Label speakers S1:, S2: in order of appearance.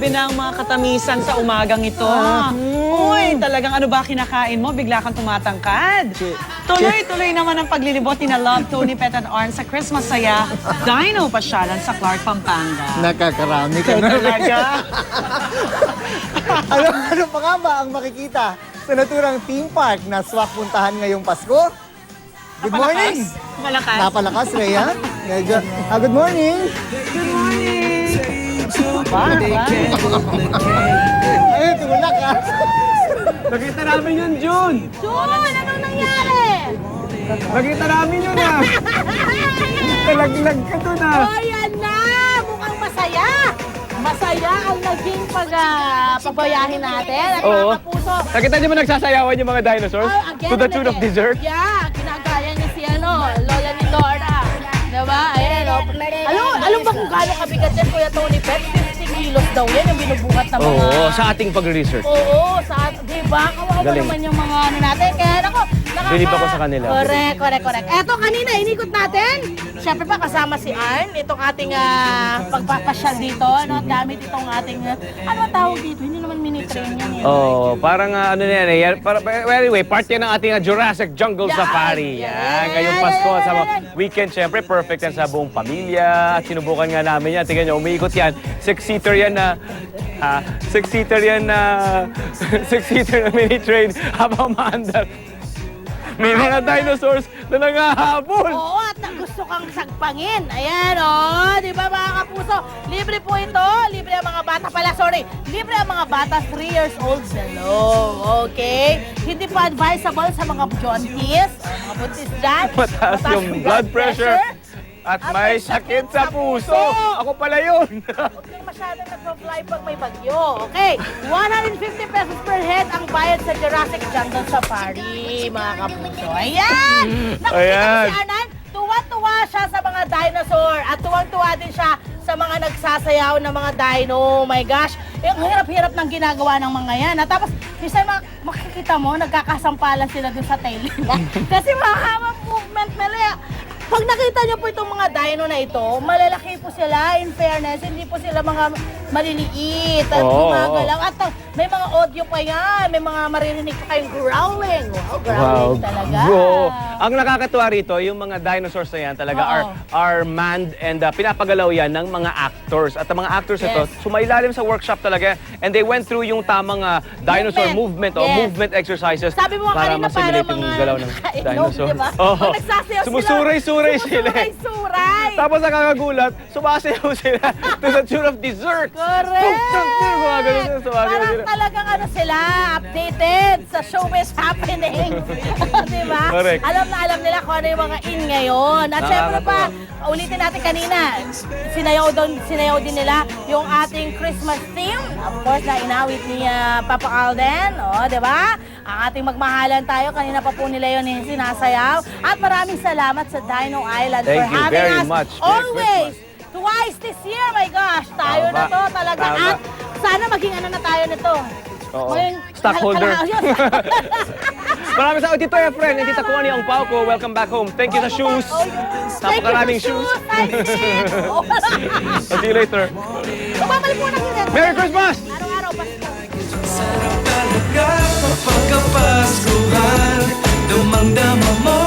S1: Grabe na ang mga katamisan sa umagang ito. Uy, talagang ano ba kinakain mo? Bigla kang tumatangkad. Tuloy-tuloy naman ang paglilibot ni na Love, Tony, Pet and Arn sa Christmas Saya Dino Pasyalan sa Clark, Pampanga.
S2: Nakakarami ka na
S1: Talaga?
S2: ano pa nga ba ang makikita sa naturang theme park na swak puntahan ngayong Pasko? Good morning!
S1: Malakas.
S2: Napalakas, Rhea. Good morning!
S1: Good morning!
S2: Ay, tumulak ka.
S3: Nakita namin yun, June!
S4: Jun, anong nangyari?
S3: Nakita namin yun ah! Nalaglag ka dun ah!
S4: O, yan na! Mukhang masaya! Masaya ang naging pagbayahin natin. At
S3: Oo.
S4: mga kapuso,
S3: Nakita niyo ba nagsasayawan yung mga dinosaurs?
S4: again
S3: To the
S4: and
S3: tune of
S4: again.
S3: dessert?
S4: Yeah, ginagaya niya si Lola ni Lorna. Diba? Ayan, o. Alam ba kung gaano kabigat yan, Kuya Tony Pet? 50 kilos daw yan, yung binubuhat ng mga...
S3: Oo, sa ating pag-research.
S4: Oo, diba? Kawawa
S3: Galing.
S4: naman yung mga ano natin. Kaya nako,
S3: Bilib ako sa kanila.
S4: Correct. Eto, kanina, inikot natin. Siyempre pa, kasama si Arn. Itong ating pagpapasyal dito. No? Gamit itong ating, ano ang tawag dito? Hindi naman mini-train yan.
S3: Oo, parang ano na yan eh. Anyway, part yan ng ating Jurassic Jungle
S4: Yan,
S3: Safari.
S4: yan,
S3: Yan, ngayong Pasko
S4: yan,
S3: sa
S4: yan.
S3: weekend, syempre perfect yan sa buong pamilya. At sinubukan nga namin yan. Tingnan nyo, umiikot yan. Six-seater yan na six-seater na mini-train habang maandar. May mga dinosaurs na nangahabol.
S4: Oo, at gusto kang sagpangin. Ayan, di ba mga kapuso? Libre po ito. Libre ang mga bata pala. Sorry. Libre ang mga bata 3 years old below. Okay? Hindi pa advisable sa mga jaunties, mga buntis dyan.
S3: Mataas yung blood pressure. At may sakit sa puso. Ako pala yun.
S4: Huwag kang masyadong nagpa-fly pag may bagyo. Okay, 150 pesos per head ang bayad sa Jurassic Jungle Safari, mga kapuso. Ayan! Nakikita
S3: Ayan.
S4: mo si Anan, tuwa-tuwa siya sa mga dinosaur at tuwang-tuwa din siya sa mga nagsasayaw na mga dino. Oh my gosh, ang hirap-hirap ng ginagawa ng mga yan. At tapos, minsan makikita mo, nagkakasampalan sila dun sa tail nila. Kasi mahamang movement nila. Pag nakita niyo po itong mga dino na ito, malalaki po sila, in fairness, hindi po sila mga maliliit at gumagalaw. At may mga audio pa yan, may mga maririnig pa kayong growling. Wow, growling talaga.
S3: Bro, ang nakakatuwa rito, yung mga dinosaurs na yan talaga are manned and pinapagalaw yan ng mga actors. At ang mga actors ito, sumailalim sa workshop talaga and they went through yung tamang dinosaur movement o movement exercises.
S4: Sabi mo
S3: para
S4: kanina
S3: ma-simulate
S4: parang
S3: yung
S4: mga
S3: galaw ng
S4: nakainom,
S3: dinosaur.
S4: diba?
S3: Oo.
S4: Pag nagsasayaw sila,
S3: Sumusuray-suray sila.
S4: Sumusuray-suray.
S3: Tapos nakakagulat, sumasayaw sila to the tune of dessert.
S4: Correct!
S3: Mga ganun sila, sumasayaw
S4: Parang
S3: sila.
S4: talagang ano sila, updated sa showbiz happening. Diba?
S3: Correct.
S4: Alam na alam nila kung ano yung mga in ngayon. At syempre pa, ulitin natin kanina, sinayaw din nila yung ating Christmas theme. Of course, na inawit ni Papa Alden. O, diba? Ang ating magmahalan tayo, kanina pa po nila yun yung sinasayaw. At maraming salamat sa Dino Island
S3: Thank
S4: for
S3: you
S4: having
S3: very
S4: us
S3: much. Merry
S4: always. Twice this year, my gosh. Tayo na to talaga.
S3: Tama.
S4: At sana maging ano na tayo nito.
S3: Oo.
S4: Maging
S3: Stockholder.
S4: Yun.
S3: Maraming sa Tito Efren and Tita Connie ang pao ko. Welcome back home. Thank you sa shoes. Napakaraming shoes. I'll see you later.
S4: Babalik muna kita.
S3: Merry Christmas!
S4: Araw-araw, basta.
S5: Sarap talaga kapag kapaskuhan, damang-dama mo